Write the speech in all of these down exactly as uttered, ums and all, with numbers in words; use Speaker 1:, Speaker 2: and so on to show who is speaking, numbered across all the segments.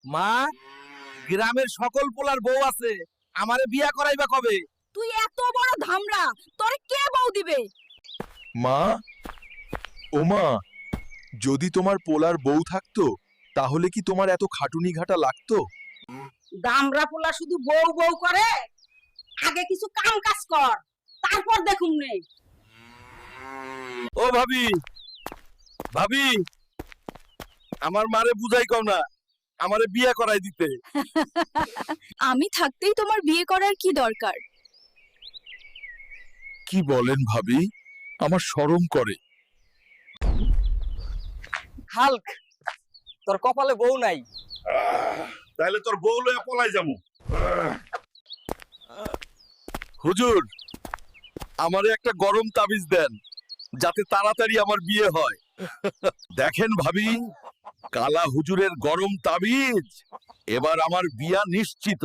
Speaker 1: মা, গ্রামের সকল পোলার বউ আছে, আমারে বিয়া করাইবা কবে?
Speaker 2: তুই এত বড় ধামড়া, তোরে কে বউ দিবে?
Speaker 3: মা, ও মা, যদি তোমার পোলার বউ থাকতো তাহলে কি তোমার এত খাটুনি ঘাটা লাগতো?
Speaker 2: দামড়া পোলা শুধু বউ বউ করে, আগে কিছু কাম কাজ কর, তারপর দেখুন নে।
Speaker 1: ও ভাবি, ভাবি, আমার মারে বুঝাই কও না, আমারে বিয়া করাই দিতে।
Speaker 2: আমি থাকতেই তোমার বিয়ে করার কি দরকার?
Speaker 3: কি বলেন ভাবি, আমার শরম করে।
Speaker 4: হাল্ক, তোর কপালে বউ নাই।
Speaker 5: তাইলে তোর বউ লইয়া পলাই যামু।
Speaker 1: হুজুর, আমারে একটা গরম তাবিজ দেন, যাতে তাড়াতাড়ি আমার বিয়ে হয়। দেখেন ভাবি, কালা হুজুরের গরম তাবিজ, এবার আমার বিয়া নিশ্চিত।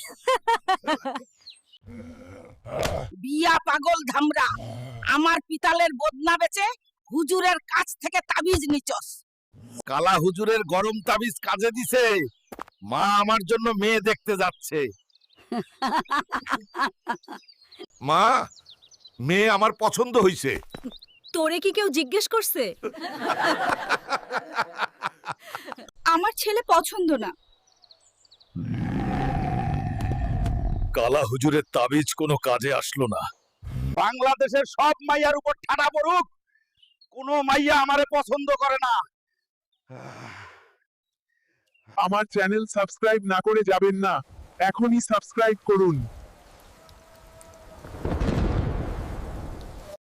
Speaker 2: বিয়া পাগল ধামড়া, আমার পিতালের বদনা বেচে হুজুরের কাছ থেকে তাবিজ নিচস।
Speaker 1: কালা হুজুরের গরম তাবিজ কাজে দিছে, মা আমার জন্য মেয়ে দেখতে যাচ্ছে।
Speaker 5: মা, মেয়ে আমার পছন্দ হইছে।
Speaker 2: তোরে কি কেউ জিজ্ঞেস করছে? আমার ছেলে পছন্দ না।
Speaker 1: কালা হুজুরের তাবিজ কোনো কাজে আসলো না। বাংলাদেশের সব মাইয়ার উপর ঠাডা পড়ুক, কোনো মাইয়া আমারে পছন্দ করে না।
Speaker 6: আমার চ্যানেল সাবস্ক্রাইব না করে যাবেন না, এখনই সাবস্ক্রাইব করুন।